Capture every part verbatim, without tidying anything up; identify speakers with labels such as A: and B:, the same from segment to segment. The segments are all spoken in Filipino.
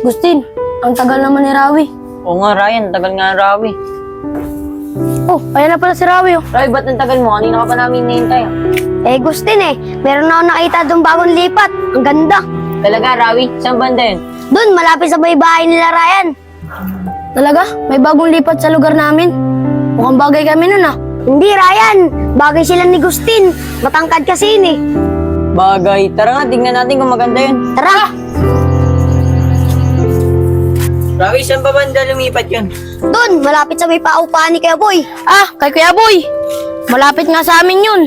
A: Gustin, ang tagal naman ni Rawi.
B: Oo nga, Ryan. Tagal nga ng Rawi.
A: Oh, ayan na pala si Rawi, oh.
B: Rawi, ba't ang tagal mo? Kanina ka pa namin hinihintay, ah.
A: Eh, Gustin eh. Meron na ako nakita doon bagong lipat. Ang ganda.
B: Talaga, Rawi? Saan banda yun?
A: Doon, malapit sa may bahay nila, Ryan. Talaga? May bagong lipat sa lugar namin. Mukhang bagay kami nun, ah. Hindi, Ryan. Bagay sila ni Gustin. Matangkad kasi yun, eh.
B: Bagay. Tara nga, tingnan natin kung maganda yun.
A: Tara!
B: Rawi, saan ba banda lumipat yun?
A: Doon, malapit sa may paupahan ni Kuya Boy. Ah, kay Kuya Boy. Malapit nga sa amin yun.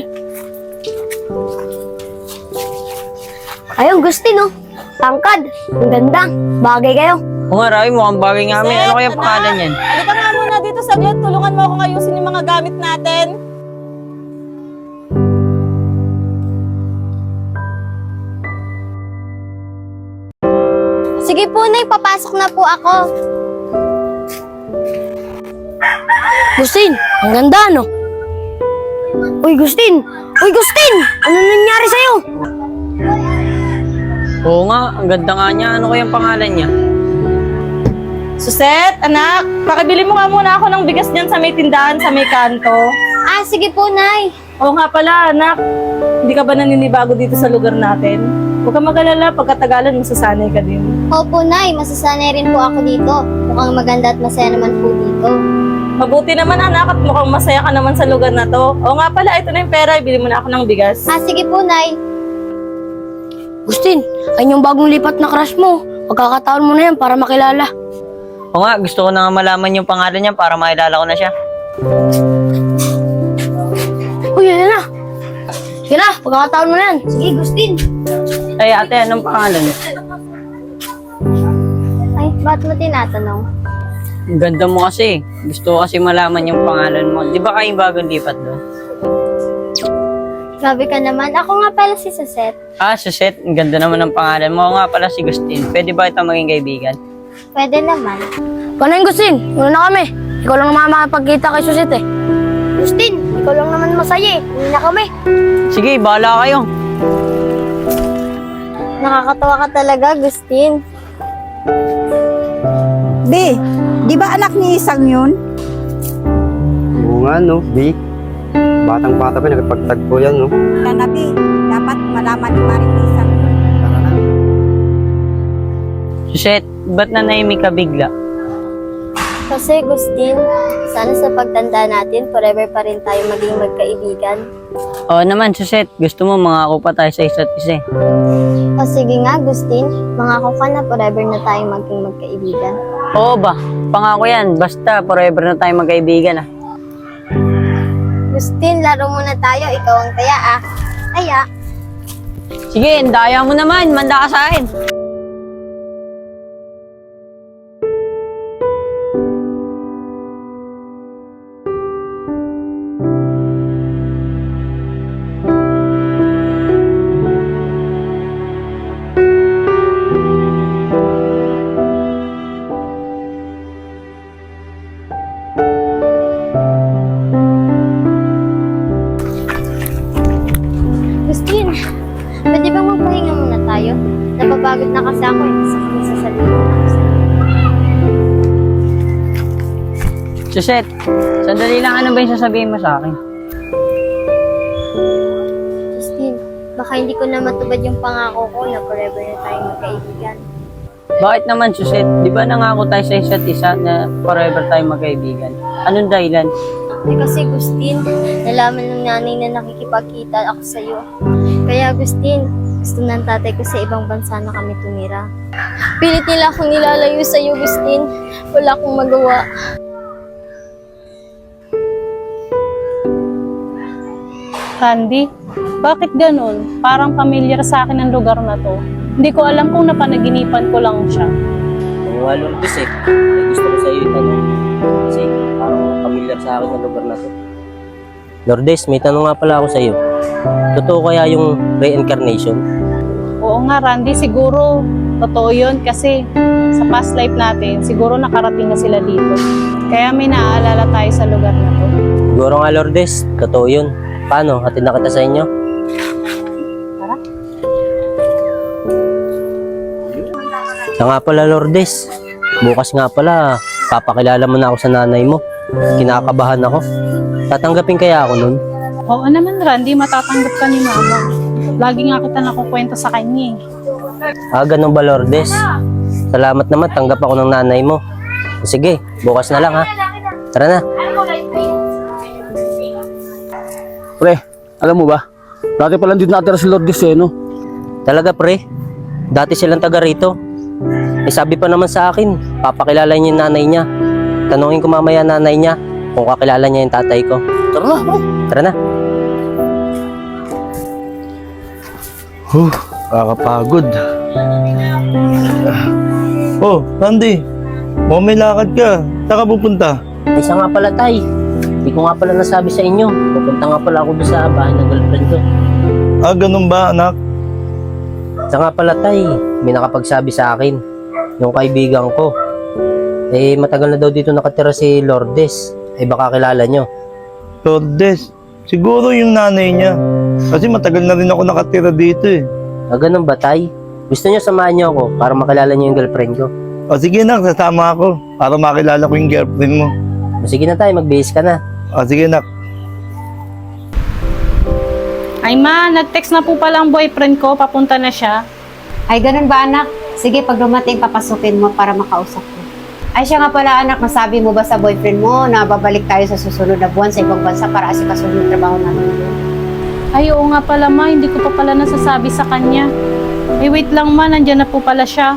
A: Ayun, Gustin, oh. Tangkad. Ang ganda. Bagay kayo.
B: Oo nga, Rawi, mukhang bagay nga kami. Ano kaya pangalan yan?
C: Halika nga muna dito saglit. Tulungan mo akong ayusin yung mga gamit natin.
A: Sige po, Nay. Papasok na po ako. Gustin, ang ganda, no? Uy, Gustin! Uy, Gustin! Ano nangyari sa'yo?
B: Oo nga, ang ganda nga niya. Ano kaya pangalan niya?
C: Suset, anak, pakibili mo nga muna ako ng bigas dyan sa may tindahan, sa may kanto.
A: Ah, sige po, Nay.
C: Oo nga pala, anak. Hindi ka ba naninibago dito sa lugar natin? Huwag ka mag-alala, pagkatagalan masasanay ka din.
D: Opo, Nay. Masasanay rin po ako dito. Mukhang maganda at masaya naman po dito.
C: Mabuti naman, anak, at mukhang masaya ka naman sa lugar na to. Oo nga pala, ito na yung pera, ibili mo na ako ng bigas.
D: Ah, sige po, Nay.
A: Gustin, ayun yung bagong lipat na crush mo. Pagkakataon mo na yan para makilala.
B: Oo nga, gusto ko na nga malaman yung pangalan niya para makilala ko na siya.
A: Uy, yan na. Sige na, pagkakataon mo na yan.
D: Sige, Gustin.
B: Ay, ate, anong pangalan?
D: Ay, ba't mo tinatanong?
B: Ang ganda mo kasi. Gusto ko kasi malaman yung pangalan mo. Di ba kayong bagong lipat doon?
D: Grabe ka naman. Ako nga pala si Suset.
B: Ah, Suset. Ang ganda naman ng pangalan mo. Oo nga pala si Gustin. Pwede ba ito maging kaibigan?
D: Pwede naman.
A: Panayin, Gustin. Una na kami. Ikaw lang naman makapagkita kay Susit eh. Gustin, ikaw lang naman masaya eh. Uwi na kami.
B: Sige, bahala kayo.
D: Nakakatawa ka talaga, Gustin.
E: Be, di ba anak ni Isang yun?
F: Oo nga, no, Vic. Batang-bata pa, nagpagtagpo yan, no?
E: Sana, Be, dapat malaman ni Maring ni Isang yun.
F: Tara na.
B: Suset, ba't nanahimik ka bigla?
D: Kasi, Gustin, sana sa pagtanda natin, forever pa rin tayo maging magkaibigan.
B: Oo naman, Suset. Gusto mo mangako pa tayo sa isa't isa eh.
D: O sige nga, Gustin, mangako ka na forever na tayong maging magkaibigan.
B: Oo ba? Pangako yan. Basta forever na tayo magkaibigan ah.
D: Gustin, laro muna tayo. Ikaw ang taya, ah. Taya.
B: Sige, daya mo naman. Manda ka sa akin.
D: Gustin, pwede bang magpahinga muna tayo? Napapagod na kasi ako eh. Sa kami sa sarili ko.
B: Suset, sandali lang. Ano ba yung sasabihin mo sa akin?
D: Gustin, baka hindi ko na matubad yung pangako ko na forever na tayong magkaibigan.
B: Bakit naman, Suset? Di ba nangako tayo sa isa't isa na forever tayo magkaibigan? Anong dahilan?
D: Eh kasi Gustin, nalaman ng nanay na nakikipagkita ako sa'yo. Kaya Gustin, gusto ng tatay ko sa ibang bansa na kami tumira. Pilit nila akong nilalayo sa'yo, Gustin. Wala akong magawa.
G: Randy, bakit ganun? Parang familiar sa akin ang lugar na to. Hindi ko alam kung napanaginipan ko lang siya.
H: Ang nga Lourdes eh, ay gusto ko sa iyo itanong. Kasi parang familiar sa akin ang lugar na to. Lourdes, may tanong nga pala ako sa iyo. Totoo kaya yung reincarnation?
G: Oo nga Randy, siguro totoo yun kasi sa past life natin, siguro nakarating na sila dito. Kaya may naaalala tayo sa lugar na to.
H: Siguro nga Lourdes, totoo yun. Paano? Hatid na kita sa inyo?
G: Tara.
H: Siya nga pala, Lourdes. Bukas nga pala, papakilala mo na ako sa nanay mo. Kinakabahan ako. Tatanggapin kaya ako nun?
G: Oo naman, Randy, matatanggap ka ni Mama. Lagi nga kita nakukwento sa kanya eh.
H: Ah, ganun ba, Lourdes? Salamat naman, tanggap ako ng nanay mo. Sige, bukas na lang ha. Tara na.
I: Pre, alam mo ba? Dati pala dito natira si Lourdes eh, no?
H: Talaga, pre. Dati silang taga rito. Eh, sabi pa naman sa akin, papakilala niya yung nanay niya. Tanungin ko mamaya nanay niya kung kakilala niya yung tatay ko.
I: Tara na, pre.
H: Tara na.
J: Huh, kakapagod. Oh, Randy. Mukhang may lakad ka. Saan ka pupunta?
H: Ay, siya nga pala, tay. Hindi ko nga pala nasabi sa inyo. Pupunta nga pala ako doon sa bahay ng girlfriend ko.
J: Ah, ganun ba, anak?
H: Siya nga pala, tay. May nakapagsabi sa akin. Yung kaibigan ko. Eh, matagal na daw dito nakatira si Lourdes. Eh, baka kilala nyo.
J: Lourdes. Siguro yung nanay niya. Kasi matagal na rin ako nakatira dito eh.
H: Ah, ganun ba, tay? Gusto nyo samahan nyo ako para makilala nyo yung girlfriend ko?
J: O sige nak, sasama ako para makilala ko yung girlfriend mo.
H: O, sige na, tay. Mag-bihis ka na.
J: O sige nak.
G: Ay ma, nag-text na po pala ang boyfriend ko, papunta na siya.
E: Ay, ganun ba anak? Sige, pag dumating, papasukin mo para makausap ko. Ay, siya nga pala anak, nasabi mo ba sa boyfriend mo na babalik tayo sa susunod na buwan sa ibang bansa para asikaso yung trabaho namin?
G: Ay oo nga pala ma, hindi ko pa pala nasasabi sa kanya. Eh wait lang ma, nandyan na po pala siya.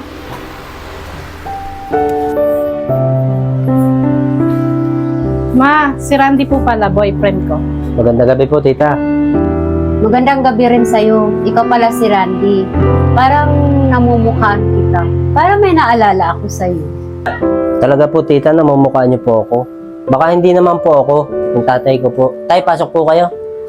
G: Ma, si Randy po pala, boyfriend ko.
H: Magandang gabi po, tita.
E: Magandang gabi rin sa'yo. Ikaw pala si Randy. Parang namumukhaan kita. Parang may naalala ako sa'yo.
H: Talaga po, tita, namumukha niyo po ako. Baka hindi naman po ako, yung tatay ko po. Tay, pasok po kayo.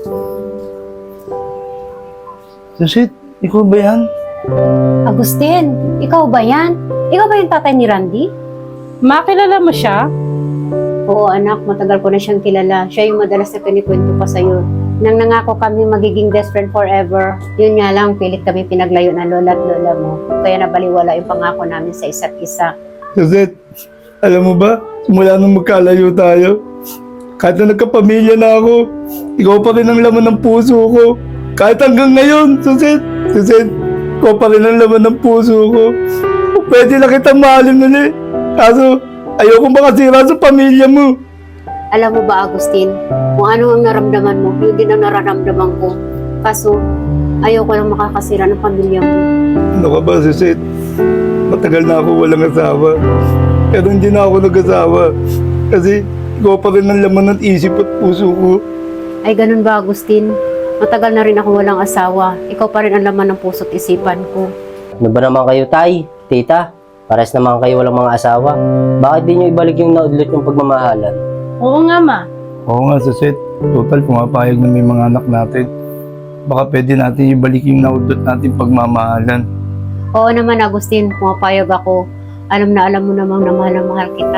J: Susit, ikaw ba yan?
E: Agustin, ikaw ba yan? Ikaw ba yung tatay ni Randy?
G: Ma, kilala mo siya?
E: Oo anak, matagal ko na siyang kilala. Siya yung madalas na kinikwento pa sa'yo. Nang nangako kami magiging best friend forever, yun nga lang, pilit kami pinaglayo ng lola at lola mo. Kaya nabaliwala yung pangako namin sa isa't isa.
J: Susit, alam mo ba? Simula nung magkalayo tayo, kahit na nagkapamilya na ako, ikaw pa rin ang laman ng puso ko. Kahit hanggang ngayon, Susit, Susit, ikaw pa rin ang laman ng puso ko. Pwede na kitang mahalin ulit. Kaso, ayoko makasira sa pamilya mo.
E: Alam mo ba, Agustin, kung ano ang naramdaman mo, yun din ang nararamdaman ko. Kaso, ayoko lang makakasira ng pamilya mo.
J: Ano ka ba, Susit? Matagal na ako walang asawa. Pero hindi na ako nag-asawa. Kasi, ikaw pa rin ang laman ng isip at puso ko.
E: Ay, ganun ba, Agustin? Matagal na rin ako walang asawa. Ikaw pa rin ang laman ng puso't isipan ko.
H: Ano ba naman kayo, tay? Tita? Pares naman kayo walang mga asawa. Bakit di nyo ibalik yung naudlot yung pagmamahalan?
G: Oo nga ma.
J: Oo nga, Susit. Total, pumapayag na may mga anak natin. Baka pwede natin ibalik yung naudot natin pagmamahalan.
E: Oo naman, Agustin, pumapayag ako. Alam na alam mo namang na mahal na mahal kita.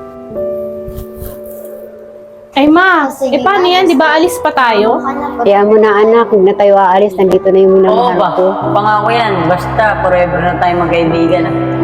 G: Ay ma, eh paano yan? Di ba alis pa tayo?
E: Kaya mo na anak, huwag na tayo aalis. Nandito na yung
B: Oo
E: minamahal
B: ba?
E: ko.
B: Pangako yan. Basta forever na tayo magkaibigan. ah.